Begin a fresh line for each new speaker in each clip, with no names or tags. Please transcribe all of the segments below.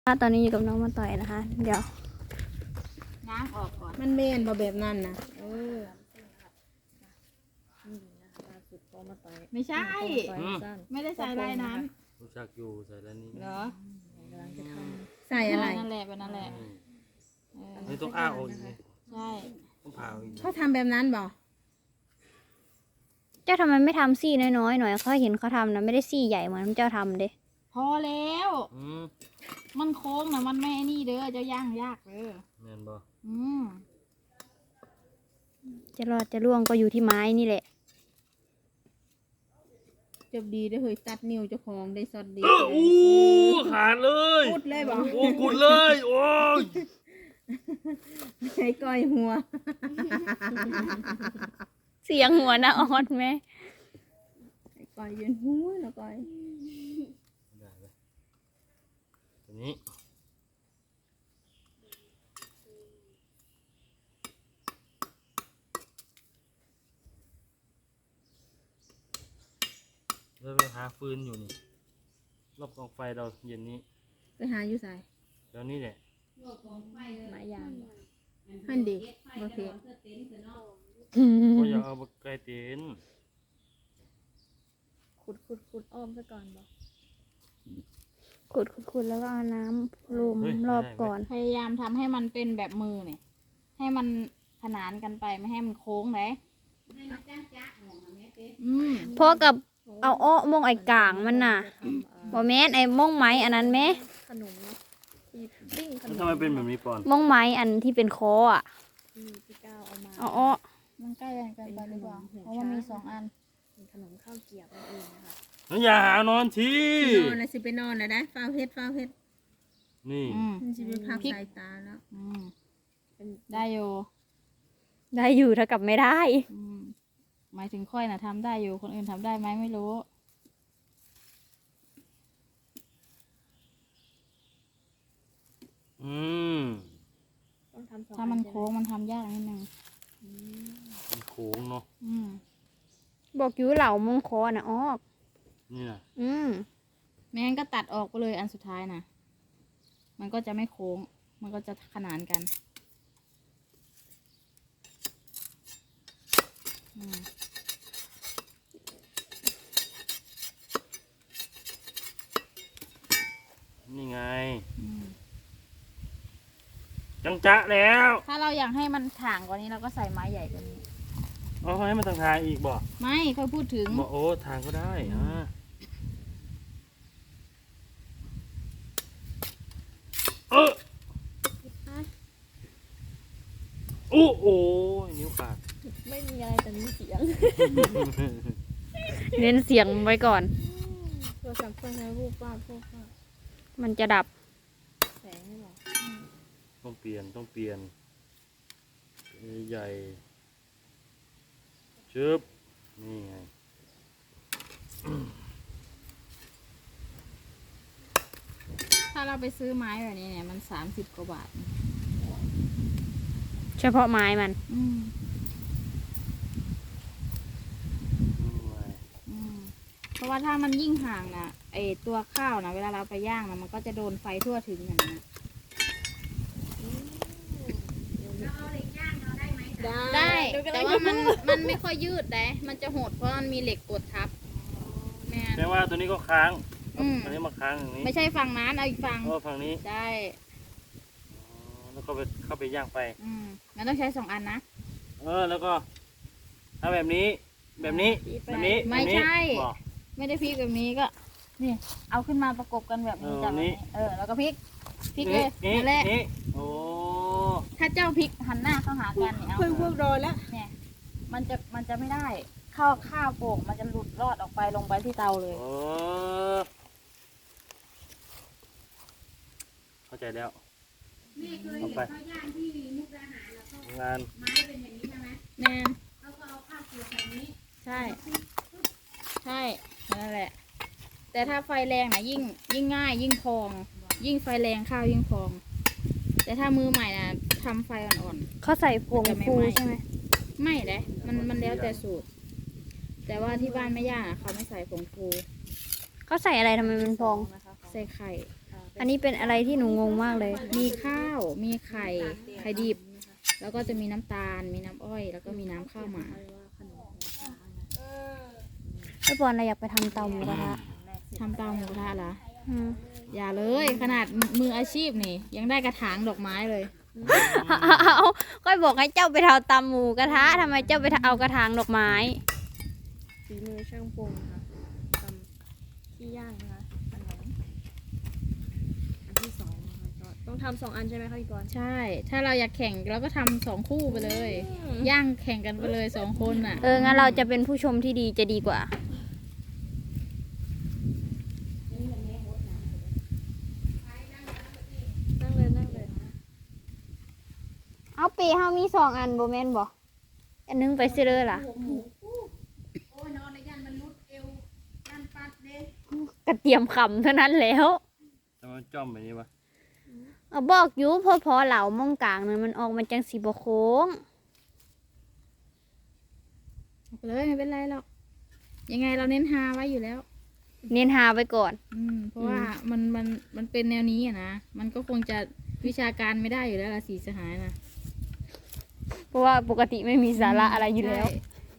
ตอนนี้อยู่กับน้องมาต่อยนะคะ เดี๋ยว
ง้างออกก่อน
มันเมนบ่แบบนั้นนะ
ไม่ใช่ ไม่ได้ใส่ลายนั้น
รู้จักอยู่ใส่แล้วนี่
เหรอ
ใส่อะไร
นั่นแหละเป็นนั่นแหละ
นี่ต้องอ้าออกอีกนี่
ใช่
ต้องผ่าออกอีก
เขาทำแบบนั้นบ่
เจ้าทำไมไม่ทำซี่น้อยๆหน่อยเขาเห็นเขาทำนะไม่ได้ซี่ใหญ่เหมือนเจ้าทำเด้
พอแล้ว มันโค้งนะมันไม่นี่เด้อเจ้าย่างยากเด้อ
แม่นบ่
จะรอดจะร่วงก็อยู่ที่ไม้นี่แหละ
จบดีได้เฮ้ยตัดนิ้วเจ้าของได้สดดี
อู้ขาดเลย
พูดเลยบ่
โอ้กุดเลยโอ้ย
ใช้ก้อยหัว
เสียงหัวนะออดไหม
ใช้ก้อยยืนหัวแล้วก้อย
ได้เลยตัวนี้เราไปหาฟืนอยู่นี่รอบกองไฟเราเย็นนี้
ไปหาอยู่ใส่
แล้วนี่แหละ
ไม้ยาง
หันดีบ่เพชร
ก็อยากเอาไก่เต็น
ขุดอ้อมซะก่อนบอกขุดแล้วก็เอาน้ำลุมรอบก่อน
พยายามทำให้มันเป็นแบบมือเนี่ยให้มันขนานกันไปไม่ให้มันโค้งเลย
เพราะกับเอาอ้อมงไอ้กลางมันน่ะบอแม่นไอ้มงไม้อันนั้นไหม
แล้วทำไมเป็นแบบนี้ปอน
มงไม้อันที่เป็นคออ่ะเอาอ้อ
มันใกล้กันไปหรือเปล่าเพราะว่ามี2 อัน
แล้วอย่าหานอนที
นอนแล้วสิไปนอนแล้วได้ฟ้าเพชรฟ้าเพชร
นี่
มันสิไปพักสายตาแล้ว
ได้อยู่
ได้อยู่เท่ากับไม่ได้
หมายถึงค่อยน่ะทำได้อยู่คนอื่นทำได้ไหมไม่รู้
อืม
ถ้ามันโค้งมันทำยากนิดนึง
มันโค้งเนาะ
บอกอยู่เหล่ามงคอน่ะออก
นี่นะ
ไม่งั้นก็ตัดออกไปเลยอันสุดท้ายนะมันก็จะไม่โค้งมันก็จะขนานกัน
นี่ไงจังจะแล้ว
ถ้าเราอยากให้มันถ่างกว่านี้เราก็ใส่ไม้ใหญ่กว่านี้
เอาให้มันทางทางอีกบ่
ไม่ค่อยพูดถึง
บ่โอ้ทางก็ได้โอ้โอ้นิ้วขาด
ไม่มีอะไรแต่มีเสียง เน้นเสียงไว้ก่อน
โทรศัพท์เพื่อนให้รูปป้าพวกป้า
มันจะดับ
แสงให้หรอ
ต้องเปลี่ยนใหญ่ชึบนี่ไง
ถ้าเราไปซื้อไม้แบบนี้เนี่ยมัน30 กว่าบาท
เฉพาะไม้มัน
เพราะว่าถ้ามันยิ่งห่างนะไอตัวข้าวนะเวลาเราไปย่างนะมันก็จะโดนไฟทั่วถึงอย่างนี้นได้แต่ว่ามันไม่ค่อยยืดแต่มันจะหดเพราะมันมีเหล็กกดทับแม่
แปลว่าตัวนี้ก็ค้าง
อืม
อันนี้มาค้างอย่างนี้
ไม่ใช่ฝั่งนั้นเอาอีกฝั่ง
ฝั่งนี้
ได้
แล้วก็เข้าไปย่างไป
มันต้องใช้2 อันนะ
แล้วก็ถ้าแบบนี้แบบนี้
ไม่ใช่
บอก
ไม่ได้พลิกแบบนี้ก็นี่เอาขึ้นมาประกบกันแบบนี้จับแบบนี้แล้วก็พลิกเลยนั่นแหละ
นี่โอ้
ถ้าเจ้าพลิกหันหน้าเข้าหากันเนี่ย
เพิ่งพวกรอแล้ว
เนี่ยมันจะไม่ได้ข้าวโป่งมันจะหลุดรอดออกไปลงไปที่เตาเลย
โอ้เข้าใจแล้วเอาไปงาน
แน่ใช่นั่นแหละ แต่ถ้าไฟแรงนะยิ่งง่ายยิ่งพอง ยิ่งไฟแรงข้าวยิ่งพอง แต่ถ้ามือใหม่นะทำไฟอ่อน
เขาใส่ผงฟูใช่ไหม
ๆไม่เลยมันแล้วแต่สูตร แต่ว่าที่บ้านไม่ย่าเขาไม่ใส่ผงฟู
เขาใส่อะไรทำไมมันพอง
ใส่ไข่
อันนี้เป็นอะไรที่หนูงงมากเลย
มีข้าว มีไข่ดิบ แล้วก็จะมีน้ำตาล มีน้ำอ้อย แล้วก็มีน้ำข้าวหมา
ไอ้ปอนเราอยากไปทำเตาหมูกระทะ
ทำเตาหมูกระทะเหรอ
อืม
อย่าเลยขนาดมืออาชีพนี่ ยังได้กระถางดอกไม้เลย
เอาก็บอกให้เจ้าไปทำเตาหมูกระทะทำไมเจ้าไปเอากระถางดอกไม้
ฝีมือช่างปรุงค่ะทำที่ย่างนะคะขนมอันที่สองนะคะก็ต้องทำ2 อันใช่ไหมคะพี่กรณ์
ใช่ ถ้าเราอยากแข่งเราก็ทำ2 คู่ไปเลย ย่างแข่งกันไปเลย2 คนน่ะ
งั้นเราจะเป็นผู้ชมที่ดีจะดีกว่า
นั่งเลยนั่งเลย
เอาปีเฮามี2 อันบ่แม่นบ่อันนึงไปซื้อเลยล่ะ
โอ้ยนอนในยันมันรุดเอวยันปัดเด้
กระเทียมขำเท่านั้นแล้ว
จะมาจ้อมแบบนี้ปะ
เอาบอกอยู่พอเหล่ามองกลางนั้นมันออกมาจังสีบ่โค้ง
ไปเลยไม่เป็นไรหรอก ยังไงเราเน้นฮาไว้อยู่แล้ว
เน้นหาไว้ก่อน
เพราะว่ามันเป็นแนวนี้อะนะ มันก็คงจะวิชาการไม่ได้อยู่แล้วละสีสหายนะ
เพราะว่าปกติไม่มีสาระอะไรอยู่แล้ว
ใช่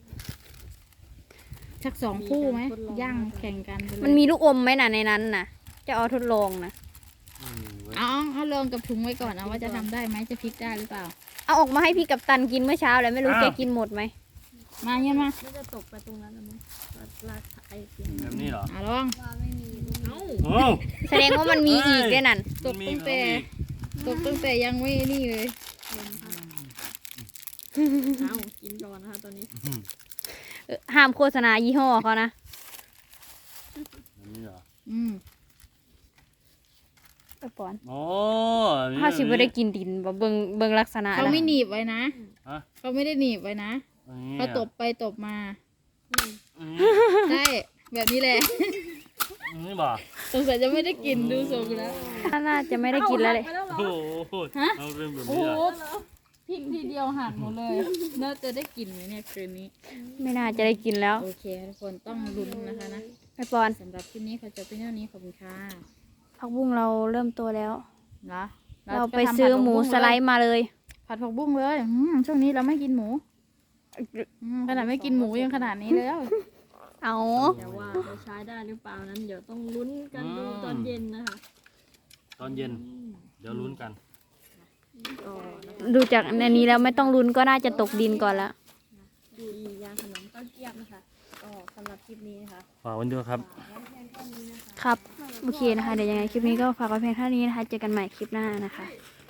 ชัก2 คู่ไหมย่างแข่งกันไปเลย
มันมีลูกอมไหมน่ะในนั้นน่ะ จะเอาทดลองนะ
เอาลองกับถุงไว้ก่อนเอาว่าจะทำได้ไหมจะพลิกได้หรือเปล่า
เอาออกมาให้พี่กับตันกินเมื่อเช้าแล้วไม่รู้แกกินหมดไหม
มาเงี้ยมา
น่าจะตกไปตรงนั้นแล้วมั้งลาดไอเสียง
แบบนี้เหรอ
ลอง
เอ้า
โอ้
แสดงว่ามันมีอีกด้วยนั่น
ตกตั้งแต่ยังไม่นี่เลย
เอ้ากินก่อนนะคะตอนนี้
ห้ามโฆษณายี่ห้อเขานะ
แบบนี้เหรอ
ไปปอน
โอ้
ถ้าสิบ่ได้กินดินบ่เบิ่งลักษณะ
เขา
แล้ว
ไม่หนีบไว้นะ
ฮะ
เขาไม่ได้หนีบไว้นะ
อันนี้
เขาตบไปตบมา
อันนี้
ใช่แบบนี้แหละ
อันนี้บ่
สงสัยจะไม่ได้กินดูทรงแล้ว
น่าจะไม่ได้กินแล้วเลย
โอ้โห
ฮะ
เอาเป็นแบบ
โอ้
นี้
โห
เหรอ
พริกทีเดียวหั่นหมดเลย น่าจะได้กินไหมเนี่ยคืนนี้
ไม่น่าจะได้กินแล้ว
โอเคทุกคนต้องลุ้นนะคะนะ
ไปปอน
สำหรับคลิปนี้เขาจะเป็นเท่านี้ขอบคุณค่ะ
ผักบุ้งเราเริ่มโตแล้ว
เนาะ
เราไปซื้อหมูสไลด์มาเลย
ผัดผักบุ้งเลยช่วงนี้เราไม่กินหมูขนาดไม่กินหมูยังขนาดนี้แล้ว
เอา
แต่ว่าจะใช้ได้หรือเปล่านั้นเดี๋ยวต้องลุ้นกันดูตอนเย็นนะคะ
ตอนเย็น เดี๋ยวลุ้นกัน
ก็นะคะ
ดูจากในนี้แล้วไม่ต้องลุ้นก็น่าจะตกดินก่อนละ
ดูอีย่างขนมเต้าเจี๊ยบนะคะก็สำหรับคลิปนี้นะคะ
ฝากไว้ด้วยครับ
ครับ โอเคนะคะ เดี๋ยวยังไงคลิปนี้ก็ฝากไว้เพียงเท่านี้นะคะ เจอกันใหม่คลิปหน้านะคะ